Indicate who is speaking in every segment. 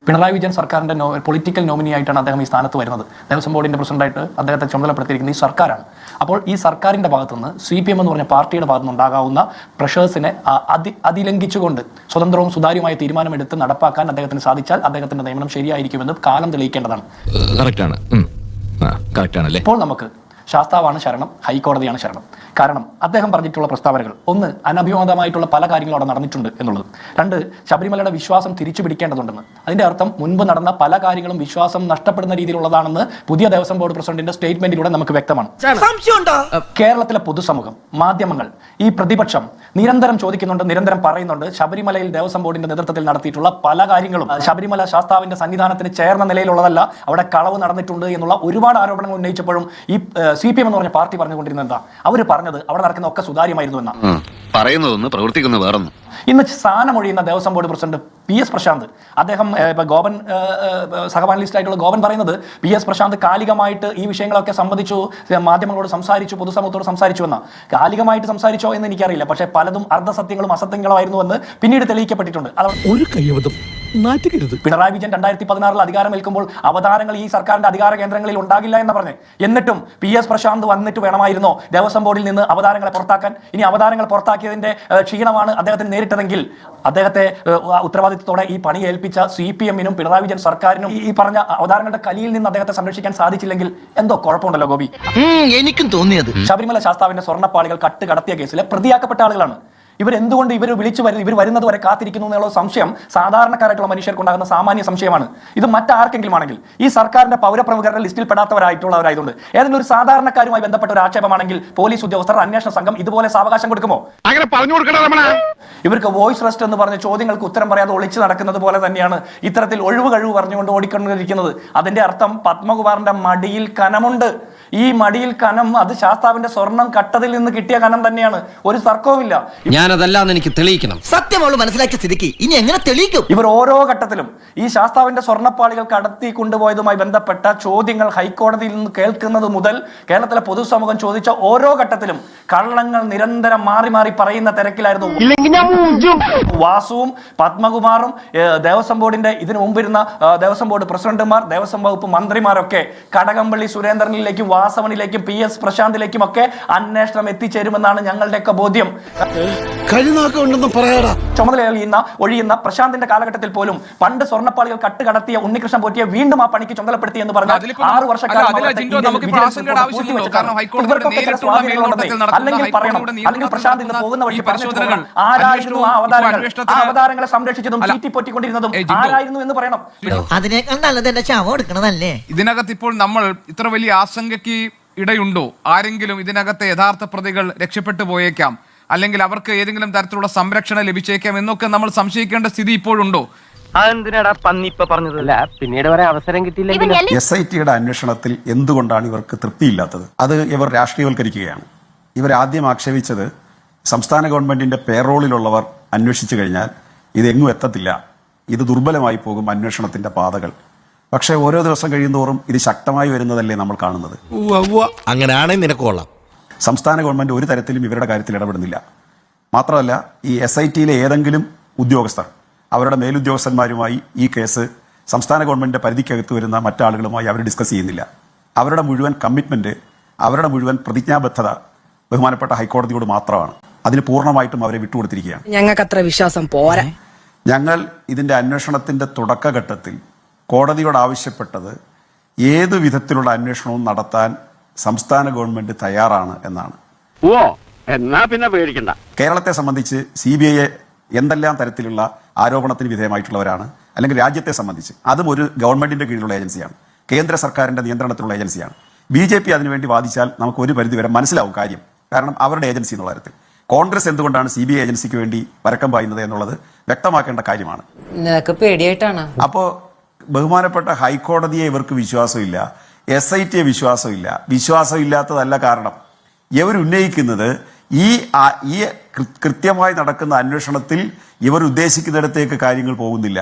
Speaker 1: പിണറായി വിജയൻ സർക്കാരിന്റെ political nominee ആയിട്ടാണ് അദ്ദേഹം ഈ സ്ഥാനത്ത് വരുന്നത്. ദേവസ്വം ബോർഡിന്റെ പ്രസിഡന്റായിട്ട് അദ്ദേഹത്തെ ചുമതലപ്പെടുത്തിയിരിക്കുന്ന ഈ സർക്കാരാണ്. അപ്പോൾ ഈ സർക്കാരിന്റെ ഭാഗത്തുനിന്ന് CPM എന്ന് പറഞ്ഞ പാർട്ടിയുടെ ഭാഗത്തുനിന്ന് ഉണ്ടാകാവുന്ന പ്രഷേഴ്സിനെ അതിലംഘിച്ചുകൊണ്ട് സ്വതന്ത്രവും സുതാര്യമായ തീരുമാനമെടുത്ത് നടപ്പാക്കാൻ അദ്ദേഹത്തിന് സാധിച്ചാൽ അദ്ദേഹത്തിന്റെ നിയമനം ശരിയായിരിക്കുമെന്ന് കാലം തെളിയിക്കേണ്ടതാണ്. ഇപ്പോൾ നമുക്ക് ശാസ്താവാണ് ശരണം, ഹൈക്കോടതിയാണ് ശരണം. കാരണം അദ്ദേഹം പറഞ്ഞിട്ടുള്ള പ്രസ്താവനകൾ, ഒന്ന്, അനഭിമതമായിട്ടുള്ള പല കാര്യങ്ങളും അവിടെ നടന്നിട്ടുണ്ട് എന്നുള്ളത്. രണ്ട്, ശബരിമലയുടെ വിശ്വാസം തിരിച്ചു പിടിക്കേണ്ടതുണ്ടെന്ന്. അതിന്റെ അർത്ഥം മുൻപ് നടന്ന പല കാര്യങ്ങളും വിശ്വാസം നഷ്ടപ്പെടുന്ന രീതിയിലുള്ളതാണെന്ന് പുതിയ ദേവസ്വം ബോർഡ് പ്രസിഡന്റിന്റെ സ്റ്റേറ്റ്മെന്റിലൂടെ നമുക്ക് വ്യക്തമാണ്. കേരളത്തിലെ പൊതുസമൂഹം, മാധ്യമങ്ങൾ, ഈ പ്രതിപക്ഷം നിരന്തരം ചോദിക്കുന്നുണ്ട്, നിരന്തരം പറയുന്നുണ്ട്, ശബരിമലയിൽ ദേവസ്വം ബോർഡിന്റെ നേതൃത്വത്തിൽ നടത്തിയിട്ടുള്ള പല കാര്യങ്ങളും ശബരിമല ശാസ്താവിന്റെ സന്നിധാനത്തിന് ചേർന്ന നിലയിലുള്ളതല്ല, അവിടെ കളവ് നടന്നിട്ടുണ്ട് എന്നുള്ള ഒരുപാട് ആരോപണങ്ങൾ ഉന്നയിച്ചപ്പോഴും ഈ CPM എന്ന് പറഞ്ഞ പാർട്ടി പറഞ്ഞുകൊണ്ടിരുന്നത് എന്താ? അവർ പറഞ്ഞത് അവിടെ നടക്കുന്ന ഒക്കെ സുതാര്യമായിരുന്നു എന്നാ
Speaker 2: പറയുന്നതൊന്ന് പ്രവർത്തിക്കുന്ന വേറൊന്നും.
Speaker 1: ഇന്ന് സ്ഥാനമൊഴിയുന്ന Devaswom board president PS Prashanth, അദ്ദേഹം ഗോപൻ സഹപാനലിസ്റ്റ് ആയിട്ടുള്ള ഗോപൻ പറയുന്നത് PS പ്രശാന്ത് കാലികമായിട്ട് ഈ വിഷയങ്ങളൊക്കെ സംബന്ധിച്ചു മാധ്യമങ്ങളോട് സംസാരിച്ചു, പൊതുസമൂഹത്തോട് സംസാരിച്ചു എന്ന. കാലികമായിട്ട് സംസാരിച്ചോ എന്ന് എനിക്കറിയില്ല, പക്ഷേ പലതും അർദ്ധസത്യങ്ങളും അസത്യങ്ങളും എന്ന് പിന്നീട് തെളിയിക്കപ്പെട്ടിട്ടുണ്ട്.
Speaker 3: ഒരു കൈവതം
Speaker 1: പിണറായി വിജയൻ 2016 അധികാരമേൽക്കുമ്പോൾ അവതാരങ്ങൾ ഈ സർക്കാരിന്റെ അധികാര കേന്ദ്രങ്ങളിൽ ഉണ്ടാകില്ല എന്ന് പറഞ്ഞ്, എന്നിട്ടും PS പ്രശാന്ത് വന്നിട്ട് വേണമായിരുന്നോ ദേവസ്വം ബോർഡിൽ നിന്ന് അവതാരങ്ങളെ പുറത്താക്കാൻ? ഇനി അവതാരങ്ങൾ പുറത്താക്കിയതിന്റെ ക്ഷീണമാണ് അദ്ദേഹത്തിന് നേരിട്ടതെങ്കിൽ അദ്ദേഹത്തെ ഉത്തരവാദിത്വത്തോടെ ഈ പണി ഏൽപ്പിച്ച CPM-നും പിണറായി വിജയൻ സർക്കാരിനും ഈ പറഞ്ഞ അവതാരങ്ങളുടെ കലിയിൽ നിന്ന് അദ്ദേഹത്തെ സംരക്ഷിക്കാൻ സാധിച്ചില്ലെങ്കിൽ എന്തോ കുഴപ്പമുണ്ടല്ലോ ഗോപി.
Speaker 4: എനിക്കും തോന്നിയത്
Speaker 1: ശബരിമല ശാസ്താവിന്റെ സ്വർണ്ണപ്പാളികൾ കടത്തിയ കേസിലെ പ്രതിയാക്കപ്പെട്ട ആളുകളാണ്. ഇവരെന്തുകൊണ്ട് ഇവർ വരുന്നത് വരെ കാത്തിരിക്കുന്നു എന്നുള്ള സംശയം സാധാരണക്കാരായിട്ടുള്ള മനുഷ്യർക്കുണ്ടാകുന്ന സാമാന്യ സംശയമാണ്. ഇത് മറ്റാർക്കെങ്കിലും ആണെങ്കിൽ, ഈ സർക്കാരിന്റെ പൗരപ്രമുഖരുടെ ലിസ്റ്റിൽ പെടാത്തവരായിട്ടുള്ളവരായതുകൊണ്ട് ഏതെങ്കിലും ഒരു സാധാരണക്കാരുമായി ബന്ധപ്പെട്ട ഒരു ആക്ഷേപമാണെങ്കിൽ പോലീസ് ഉദ്യോഗസ്ഥർ, അന്വേഷണ സംഘം ഇതുപോലെ സാവകാശം കൊടുക്കുമോ? ഇവർക്ക് വോയിസ് റെസ്റ്റ് എന്ന് പറഞ്ഞ ചോദ്യങ്ങൾക്ക് ഉത്തരം പറയാതെ ഒളിച്ചു നടക്കുന്നത് പോലെ തന്നെയാണ് ഇത്തരത്തിൽ ഒഴിവ് കഴിവ് പറഞ്ഞുകൊണ്ട് ഓടിക്കൊണ്ടിരിക്കുന്നത്. അതിന്റെ അർത്ഥം പത്മകുമാറിന്റെ മടിയിൽ കനമുണ്ട്. ഈ മടിയിൽ കനം അത് ശാസ്താവിന്റെ സ്വർണം കട്ടതിൽ നിന്ന് കിട്ടിയ കനം തന്നെയാണ്, ഒരു തർക്കവുമില്ല.
Speaker 4: ഞാനതല്ലാന്ന് എനിക്ക് തെളിയിക്കണം. സത്യം അവള് മനസ്സിലാക്കിയ സ്ഥിതിക്ക് ഇനി എങ്ങനെ തെളിയിക്കും?
Speaker 1: ഇവർ ഓരോ ഘട്ടത്തിലും ഈ ശാസ്താവിന്റെ സ്വർണ്ണപ്പാളികൾ കടത്തി കൊണ്ടുപോയതുമായി ബന്ധപ്പെട്ട ചോദ്യങ്ങൾ ഹൈക്കോടതിയിൽ നിന്ന് കേൾക്കുന്നത് മുതൽ കേരളത്തിലെ പൊതുസമൂഹം ചോദിച്ച ഓരോ ഘട്ടത്തിലും കള്ളങ്ങൾ നിരന്തരം മാറി മാറി പറയുന്ന തിരക്കിലായിരുന്നു വാസുവും പത്മകുമാറും ദേവസ്വം ബോർഡിന്റെ ഇതിനു മുമ്പിരുന്ന ദേവസ്വം ബോർഡ് പ്രസിഡന്റുമാർ, ദേവസ്വം വകുപ്പ് മന്ത്രിമാരൊക്കെ. കടകംപള്ളി സുരേന്ദ്രനിലേക്കും വാസവനിലേക്കും PS പ്രശാന്തിലേക്കും ഒക്കെ അന്വേഷണം എത്തിച്ചേരുമെന്നാണ് ഞങ്ങളുടെയൊക്കെ ബോധ്യം. ചുമതല ഒഴിയുന്ന പ്രശാന്തിന്റെ കാലഘട്ടത്തിൽ പോലും പണ്ട് സ്വർണ്ണപ്പാളികൾ കടത്തിയ ഉണ്ണികൃഷ്ണൻ പോറ്റിയെ വീണ്ടും ആ പണിക്ക് ചുമതലപ്പെടുത്തി എന്ന് പറഞ്ഞാൽ 6 വർഷക്കാലം അല്ലെങ്കിൽ പ്രശാന്ത് ഇന്ന് പോകുന്ന വഴി ആരായിരുന്നു ആ അവതാരങ്ങളെ സംരക്ഷിച്ചതും തീറ്റിപ്പൊറ്റിക്കൊണ്ടിരുന്നതും ആരായിരുന്നു എന്ന് പറയണം.
Speaker 4: അതിനേക്കാൾ നല്ലത് എന്റെ ശവം എടുക്കണതല്ലേ?
Speaker 5: ഇതിനകത്ത് ഇപ്പോൾ നമ്മൾ ഇത്ര വലിയ ആശങ്കയ്ക്ക് ഇടയുണ്ടോ? ആരെങ്കിലും ഇതിനകത്തെ യഥാർത്ഥ പ്രതികൾ രക്ഷപ്പെട്ടു പോയേക്കാം, അല്ലെങ്കിൽ അവർക്ക് ഏതെങ്കിലും തരത്തിലുള്ള സംരക്ഷണം ലഭിച്ചേക്കാം എന്നൊക്കെ നമ്മൾ സംശയിക്കേണ്ട സ്ഥിതി ഇപ്പോഴുണ്ടോ?
Speaker 6: പിന്നീട് വരെ അവസരം കിട്ടിയില്ല.
Speaker 7: SIT-യുടെ അന്വേഷണത്തിൽ എന്തുകൊണ്ടാണ് ഇവർക്ക് തൃപ്തിയില്ലാത്തത്? അത് ഇവർ രാഷ്ട്രീയവൽക്കരിക്കുകയാണ്. ഇവരാദ്യം ആക്ഷേപിച്ചത് സംസ്ഥാന ഗവൺമെന്റിന്റെ പേറോളിലുള്ളവർ അന്വേഷിച്ചു കഴിഞ്ഞാൽ ഇതെങ്ങും എത്തത്തില്ല, ഇത് ദുർബലമായി പോകും അന്വേഷണത്തിന്റെ പാതകൾ. പക്ഷേ ഓരോ ദിവസം കഴിയുന്തോറും ഇത് ശക്തമായി വരുന്നതല്ലേ നമ്മൾ കാണുന്നത്.
Speaker 3: അങ്ങനെയാണെങ്കിൽ നിനക്ക് കൊള്ളാം.
Speaker 7: സംസ്ഥാന ഗവൺമെന്റ് ഒരു തരത്തിലും ഇവരുടെ കാര്യത്തിൽ ഇടപെടുന്നില്ല. മാത്രമല്ല, ഈ SIT-യിലെ ഏതെങ്കിലും ഉദ്യോഗസ്ഥർ അവരുടെ മേലുദ്യോഗസ്ഥന്മാരുമായി ഈ കേസ് സംസ്ഥാന ഗവൺമെന്റിന്റെ പരിധിക്കകത്ത് വരുന്ന മറ്റാളുകളുമായി അവർ ഡിസ്കസ് ചെയ്യുന്നില്ല. അവരുടെ മുഴുവൻ കമ്മിറ്റ്മെന്റ്, അവരുടെ മുഴുവൻ പ്രതിജ്ഞാബദ്ധത ബഹുമാനപ്പെട്ട ഹൈക്കോടതിയോട് മാത്രമാണ്. അതിന് പൂർണ്ണമായിട്ടും അവരെ വിട്ടുകൊടുത്തിരിക്കുകയാണ്.
Speaker 8: ഞങ്ങൾക്ക് അത്ര വിശ്വാസം പോരാ.
Speaker 7: ഞങ്ങൾ ഇതിന്റെ അന്വേഷണത്തിന്റെ തുടക്കഘട്ടത്തിൽ കോടതിയോട് ആവശ്യപ്പെട്ടത് ഏതു വിധത്തിലുള്ള അന്വേഷണവും നടത്താൻ സംസ്ഥാന ഗവൺമെന്റ് തയ്യാറാണ് എന്നാണ്.
Speaker 6: എന്നാ പിന്നെ പേടിക്കണ്ട.
Speaker 7: കേരളത്തെ സംബന്ധിച്ച് CBI എന്തെല്ലാം തരത്തിലുള്ള ആരോപണത്തിന് വിധേയമായിട്ടുള്ളവരാണ്, അല്ലെങ്കിൽ രാജ്യത്തെ സംബന്ധിച്ച് അതും ഒരു ഗവൺമെന്റിന്റെ കീഴിലുള്ള ഏജൻസിയാണ്, കേന്ദ്ര സർക്കാരിന്റെ നിയന്ത്രണത്തിലുള്ള ഏജൻസിയാണ്. BJP അതിനുവേണ്ടി വാദിച്ചാൽ നമുക്ക് ഒരു പരിധിവരെ മനസ്സിലാവും കാര്യം, കാരണം അവരുടെ ഏജൻസി എന്നുള്ള കാര്യത്തിൽ. കോൺഗ്രസ് എന്തുകൊണ്ടാണ് CBI ഏജൻസിക്ക് വേണ്ടി പരക്കം പായുന്നത് എന്നുള്ളത് വ്യക്തമാക്കേണ്ട കാര്യമാണ്. അപ്പോൾ ബഹുമാനപ്പെട്ട ഹൈക്കോടതിയെ ഇവർക്ക് വിശ്വാസമില്ല, SIT-യെ വിശ്വാസമില്ല. വിശ്വാസമില്ലാത്തതല്ല കാരണം ഇവർ ഉന്നയിക്കുന്നത് ഈ കൃത്യമായി നടക്കുന്ന അന്വേഷണത്തിൽ ഇവർ ഉദ്ദേശിക്കുന്നിടത്തേക്ക് കാര്യങ്ങൾ പോകുന്നില്ല.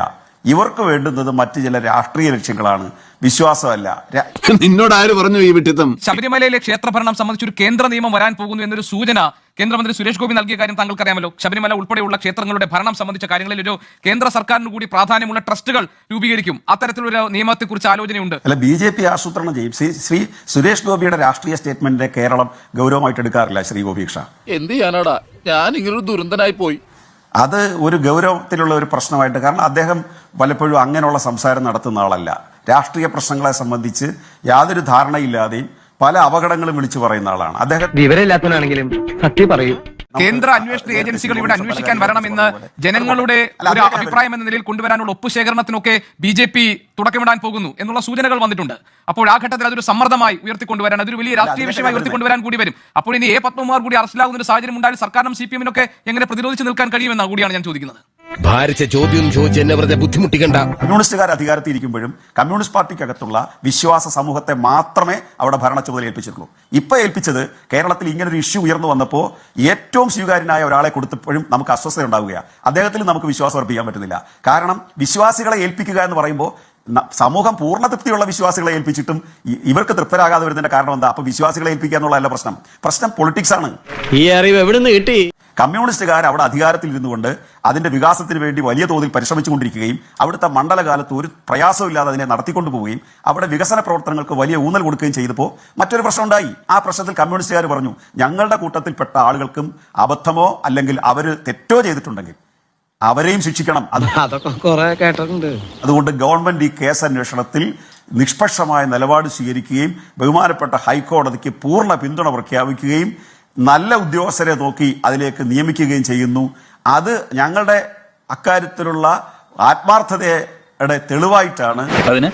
Speaker 7: ഇവർക്ക് വേണ്ടുന്നത് മറ്റ് ചില രാഷ്ട്രീയ ലക്ഷ്യങ്ങളാണ്, വിശ്വാസമല്ല.
Speaker 3: നിന്നോട് ആര് പറഞ്ഞു ഈ വിട്ടിത്തം?
Speaker 5: ശബരിമലയിലെ ക്ഷേത്രഭരണം സംബന്ധിച്ച് ഒരു കേന്ദ്ര നിയമം വരാൻ പോകുന്നു എന്നൊരു സൂചന കേന്ദ്രമന്ത്രി സുരേഷ് ഗോപി നൽകിയ കാര്യം താങ്കൾക്കറിയാമല്ലോ. ശബരിമല ഉൾപ്പെടെയുള്ള ക്ഷേത്രങ്ങളുടെ ഭരണം സംബന്ധിച്ച കാര്യങ്ങളിൽ ഒരു കേന്ദ്ര സർക്കാരിന് കൂടി പ്രാധാന്യമുള്ള ട്രസ്റ്റുകൾ രൂപീകരിക്കും. അത്തരത്തിലൊരു നിയമത്തെക്കുറിച്ച് ആലോചനയുണ്ട്.
Speaker 7: അല്ല, BJP ആസൂത്രണം ചെയ്യും. ശ്രീ സുരേഷ് ഗോപിയുടെ രാഷ്ട്രീയ സ്റ്റേറ്റ്മെന്റിനെ കേരളം ഗൗരവമായിട്ട് എടുക്കാറില്ല. ശ്രീ ഗോപീക്ഷ,
Speaker 3: എന്ത് ചെയ്യാനാടാ, ഞാൻ ഇങ്ങനൊരു ദുരന്തനായി പോയി.
Speaker 7: അത് ഒരു ഗൗരവത്തിലുള്ള ഒരു പ്രശ്നമായിട്ട്, കാരണം അദ്ദേഹം പലപ്പോഴും അങ്ങനെയുള്ള സംസാരം നടത്തുന്ന ആളല്ല. രാഷ്ട്രീയ പ്രശ്നങ്ങളെ സംബന്ധിച്ച് യാതൊരു ധാരണയില്ലാതെയും പല അപകടങ്ങളും വിളിച്ചു പറയുന്ന ആളാണ് അദ്ദേഹം.
Speaker 6: വിവരമില്ലാത്തവനാണെങ്കിലും സത്യം പറയൂ.
Speaker 5: കേന്ദ്ര അന്വേഷണ ഏജൻസികൾ ഇവിടെ അന്വേഷിക്കാൻ വരണമെന്ന് ജനങ്ങളുടെ ഒരു അഭിപ്രായം എന്ന നിലയിൽ കൊണ്ടുവരാനുള്ള ഒപ്പുശേഖരണത്തിനൊക്കെ BJP തുടക്കമിടാൻ പോകുന്നു എന്നുള്ള സൂചനകൾ വന്നിട്ടുണ്ട്. അപ്പോൾ ആ ഘട്ടത്തിൽ അതൊരു സമ്മർദ്ദമായി ഉയർത്തിക്കൊണ്ടുവരാൻ, അതൊരു വലിയ രാഷ്ട്രീയ വിഷയമായി ഉയർത്തിക്കൊണ്ടുവരാൻ കൂടി വരും. അപ്പോൾ ഇനി പത്മകുമാർ കൂടി അറസ്റ്റിലാകുന്ന ഒരു സാഹചര്യം ഉണ്ടായാൽ സർക്കാരിനും CPM-നൊക്കെ എങ്ങനെ പ്രതിരോധിച്ച് നിൽക്കാൻ കഴിയുമെന്നാണ് കൂടിയാണ് ഞാൻ ചോദിക്കുന്നത്.
Speaker 3: ഭാരിച്ച ചോദ്യം ചോദിച്ച് എന്നെ വെറുതെ ബുദ്ധിമുട്ടിക്കണ്ട.
Speaker 7: കമ്മ്യൂണിസ്റ്റുകാർ അധികാരത്തിൽ ഇരിക്കുമ്പോഴും കമ്മ്യൂണിസ്റ്റ് പാർട്ടിക്കകത്തുള്ള വിശ്വാസ സമൂഹത്തെ മാത്രമേ അവിടെ ഭരണ ചുമതല ഏൽപ്പിച്ചിട്ടുള്ളൂ. ഇപ്പൊ ഏൽപ്പിച്ചത് കേരളത്തിൽ ഇങ്ങനൊരു ഇഷ്യൂ ഉയർന്നു വന്നപ്പോൾ ഏറ്റവും സ്വീകാര്യനായ ഒരാളെ കൊടുത്തപ്പോഴും നമുക്ക് അസ്വസ്ഥത ഉണ്ടാവുകയാണ്. അദ്ദേഹത്തിൽ നമുക്ക് വിശ്വാസം അർപ്പിക്കാൻ പറ്റുന്നില്ല. കാരണം വിശ്വാസികളെ ഏൽപ്പിക്കുക എന്ന് പറയുമ്പോൾ സമൂഹം പൂർണ്ണ തൃപ്തിയുള്ള വിശ്വാസികളെ ഏൽപ്പിച്ചിട്ടും ഇവർക്ക് തൃപ്തരാകാതെ വരുന്നതിന്റെ കാരണം എന്താ? അപ്പൊ വിശ്വാസികളെ ഏൽപ്പിക്കുക എന്നുള്ളതല്ല പ്രശ്നം പൊളിറ്റിക്സ് ആണ്.
Speaker 4: ഈ അറിവ് എവിടെ നിന്ന് കിട്ടി?
Speaker 7: കമ്മ്യൂണിസ്റ്റുകാർ അവിടെ അധികാരത്തിൽ ഇരുന്നുകൊണ്ട് അതിന്റെ വികാസത്തിന് വേണ്ടി വലിയ തോതിൽ പരിശ്രമിച്ചുകൊണ്ടിരിക്കുകയും അവിടുത്തെ മണ്ഡലകാലത്ത് ഒരു പ്രയാസമില്ലാതെ അതിനെ നടത്തിക്കൊണ്ടുപോവുകയും അവിടെ വികസന പ്രവർത്തനങ്ങൾക്ക് വലിയ ഊന്നൽ കൊടുക്കുകയും ചെയ്തപ്പോൾ മറ്റൊരു പ്രശ്നം ഉണ്ടായി. ആ പ്രശ്നത്തിൽ കമ്മ്യൂണിസ്റ്റുകാർ പറഞ്ഞു, ഞങ്ങളുടെ കൂട്ടത്തിൽപ്പെട്ട ആളുകൾക്കും അബദ്ധമോ അല്ലെങ്കിൽ അവർ തെറ്റോ ചെയ്തിട്ടുണ്ടെങ്കിൽ അവരെയും ശിക്ഷിക്കണം.
Speaker 4: അതൊക്കെ കുറെ കേട്ടിട്ടുണ്ട്.
Speaker 7: അതുകൊണ്ട് ഗവൺമെന്റ് ഈ കേസ് അന്വേഷണത്തിൽ നിഷ്പക്ഷമായ നിലപാട് സ്വീകരിക്കുകയും ബഹുമാനപ്പെട്ട ഹൈക്കോടതിക്ക് പൂർണ്ണ പിന്തുണ പ്രഖ്യാപിക്കുകയും നല്ല ഉദ്യോഗസ്ഥരെ നോക്കി അതിലേക്ക് നിയമിക്കുകയും ചെയ്യുന്നു. അത് ഞങ്ങളുടെ അക്കാര്യത്തിലുള്ള ആത്മാർത്ഥതയുടെ തെളിവായിട്ടാണ്.
Speaker 8: അതിന്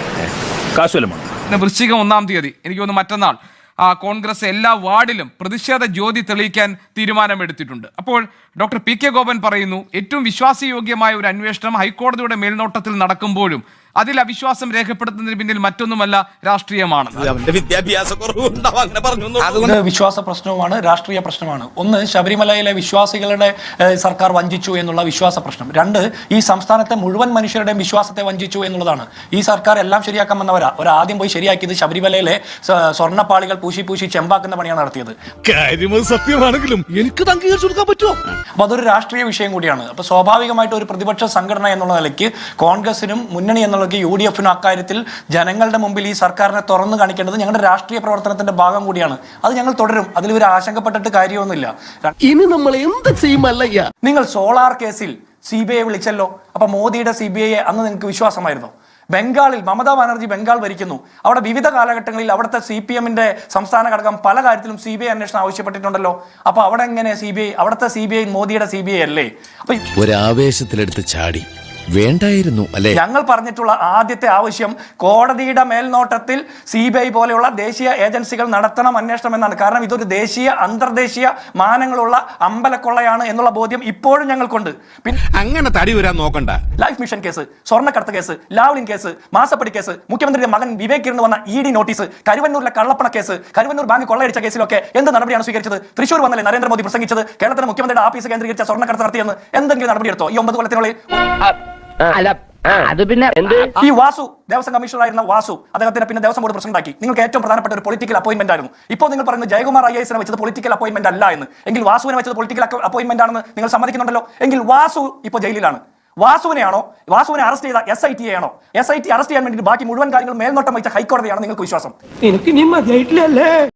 Speaker 8: കാശുവല്ലമാണ്.
Speaker 5: വൃശ്ചികം 1-ാം തീയതി എനിക്ക് തോന്നുന്നു മറ്റന്നാൾ കോൺഗ്രസ് എല്ലാ വാർഡിലും പ്രതിഷേധ ജ്യോതി തെളിയിക്കാൻ തീരുമാനമെടുത്തിട്ടുണ്ട്. അപ്പോൾ ഡോക്ടർ PK ഗോപൻ പറയുന്നു, ഏറ്റവും വിശ്വാസയോഗ്യമായ ഒരു അന്വേഷണം ഹൈക്കോടതിയുടെ മേൽനോട്ടത്തിൽ നടക്കുമ്പോഴും അതിൽ അവിശ്വാസം രേഖപ്പെടുത്തുന്നതിന് പിന്നിൽ മറ്റൊന്നുമല്ല രാഷ്ട്രീയമാണ്.
Speaker 1: അതുകൊണ്ട് വിശ്വാസ പ്രശ്നവുമാണ്, രാഷ്ട്രീയ പ്രശ്നമാണ്. ഒന്ന്, ശബരിമലയിലെ വിശ്വാസികളുടെ സർക്കാർ വഞ്ചിച്ചു എന്നുള്ള വിശ്വാസ പ്രശ്നം. രണ്ട്, ഈ സംസ്ഥാനത്തെ മുഴുവൻ മനുഷ്യരുടെയും വിശ്വാസത്തെ വഞ്ചിച്ചു എന്നുള്ളതാണ്. ഈ സർക്കാർ എല്ലാം ശരിയാക്കാൻ വന്നവരാ. ഒരാദ്യം പോയി ശരിയാക്കിയത് ശബരിമലയിലെ സ്വർണ്ണപ്പാളികൾ പൂശി ചെമ്പാക്കുന്ന പണിയാണ് നടത്തിയത്.
Speaker 3: സത്യമാണെങ്കിലും എനിക്ക് അംഗീകരിച്ചു കൊടുക്കാൻ പറ്റുമോ?
Speaker 1: അപ്പൊ അതൊരു രാഷ്ട്രീയ വിഷയം കൂടിയാണ്. അപ്പൊ സ്വാഭാവികമായിട്ട് ഒരു പ്രതിപക്ഷ സംഘടന എന്നുള്ള നിലയ്ക്ക് കോൺഗ്രസിനും മുന്നണി എന്നുള്ള UDF-നും അക്കാര്യത്തിൽ ജനങ്ങളുടെ മുമ്പിൽ ഈ സർക്കാരിനെ തുറന്നു കാണിക്കേണ്ടത് ഞങ്ങളുടെ രാഷ്ട്രീയ പ്രവർത്തനത്തിന്റെ ഭാഗം കൂടിയാണ്. അത് ഞങ്ങൾ തുടരും. അതിൽ ഒരു ആശങ്കപ്പെട്ടിട്ട് കാര്യമൊന്നുമില്ല.
Speaker 4: ഇനി നമ്മൾ എന്ത് ചെയ്യുമല്ലയ്യ?
Speaker 1: നിങ്ങൾ സോളാർ കേസിൽ CBI വിളിച്ചല്ലോ. അപ്പൊ മോദിയുടെ CBI അന്ന് നിങ്ങൾക്ക് വിശ്വാസമായിരുന്നു? ബംഗാളിൽ മമതാ ബാനർജി ബംഗാൾ ഭരിക്കുന്നു. അവിടെ വിവിധ കാലഘട്ടങ്ങളിൽ അവിടുത്തെ CPM-ന്റെ സംസ്ഥാന ഘടകം പല കാര്യത്തിലും CBI അന്വേഷണം ആവശ്യപ്പെട്ടിട്ടുണ്ടല്ലോ. അപ്പൊ അവിടെ എങ്ങനെ CBI? അവിടുത്തെ CBI മോദിയുടെ CBI അല്ലേ? അപ്പൊ
Speaker 3: ഒരാവേശത്തിലെടുത്ത് ചാടി വേണ്ടായിരുന്നു അല്ലേ?
Speaker 1: ഞങ്ങൾ പറഞ്ഞിട്ടുള്ള ആദ്യത്തെ ആവശ്യം കോടതിയുടെ മേൽനോട്ടത്തിൽ CBI പോലെയുള്ള ദേശീയ ഏജൻസികൾ നടത്തണം അന്വേഷണം എന്നാണ്. കാരണം ഇതൊരു ദേശീയ അന്തർദേശീയ മാനങ്ങളുള്ള അമ്പലക്കൊള്ളയാണ് എന്നുള്ള ബോധ്യം ഇപ്പോഴും ഞങ്ങൾക്കുണ്ട്. പിന്നെ
Speaker 3: അങ്ങനെ തടി വരാൻ നോക്കണ്ട.
Speaker 1: ലൈഫ് മിഷൻ കേസ്, സ്വർണ്ണക്കടത്ത് കേസ്, ലാവ്ലിൻ കേസ്, മാസപ്പടി കേസ്, മുഖ്യമന്ത്രിയുടെ മകൻ വിവേക് ഇരുന്ന് വന്ന ED നോട്ടീസ്, കരുവന്നൂരിലെ കള്ളപ്പണ കേസ്, കരുവന്നൂർ ബാങ്ക് കൊള്ളയടിച്ച കേസിലൊക്കെ എന്ത് നടപടിയാണ് സ്വീകരിച്ചത്? തൃശ്ശൂർ വന്നല്ലേ നരേന്ദ്രമോദി പ്രസംഗിച്ചത് കേരളത്തിലെ മുഖ്യമന്ത്രിയുടെ ആഫീസ് കേന്ദ്രീകരിച്ച സ്വർണ്ണക്കടത്ത് നടത്തിയെന്ന്? എന്തെങ്കിലും നടപടിയെടുത്തോ ഈ 9 കൊല്ലത്തിനുള്ളിൽ?
Speaker 6: അത് പിന്നെ
Speaker 1: ഈ വാസു ദേവസ്വം കമ്മീഷണറായിരുന്ന വാസു അദ്ദേഹത്തിന് പിന്നെ ദേവസ്വം ബോർഡ് പ്രസിഡന്റ് ആക്കി. നിങ്ങൾക്ക് ഏറ്റവും പ്രധാനപ്പെട്ട ഒരു പൊളിറ്റിക്കൽ അപ്പോയിന്റ്മെന്റ് ആയിരുന്നു. ഇപ്പോൾ നിങ്ങൾ പറയുന്നത് ജയകുമാർ IAS വെച്ചത് പൊളിറ്റിക്കൽ അപ്പോയിന്റ്മെന്റ് അല്ല എന്ന്. എങ്കിൽ വാസുവിനെ വെച്ചത് പൊളിറ്റിക്കൽ അപ്പോയിന്റ്മെന്റ് ആണെന്ന് നിങ്ങൾ സമ്മതിക്കുന്നുണ്ടല്ലോ. എങ്കിൽ വാസു ഇപ്പോൾ ജയിലിലാണ്. വാസുവിനെ അറസ്റ്റ് ചെയ്ത SIT ആണോ? SIT അറസ്റ്റ് ചെയ്യാൻ വേണ്ടി ബാക്കി മുഴുവൻ കാര്യങ്ങളും മേൽനോട്ടം വഹിച്ച ഹൈക്കോടതിയാണ് നിങ്ങൾക്ക് വിശ്വാസം?
Speaker 4: എനിക്ക് നീ മതിയായിട്ടില്ലല്ലേ?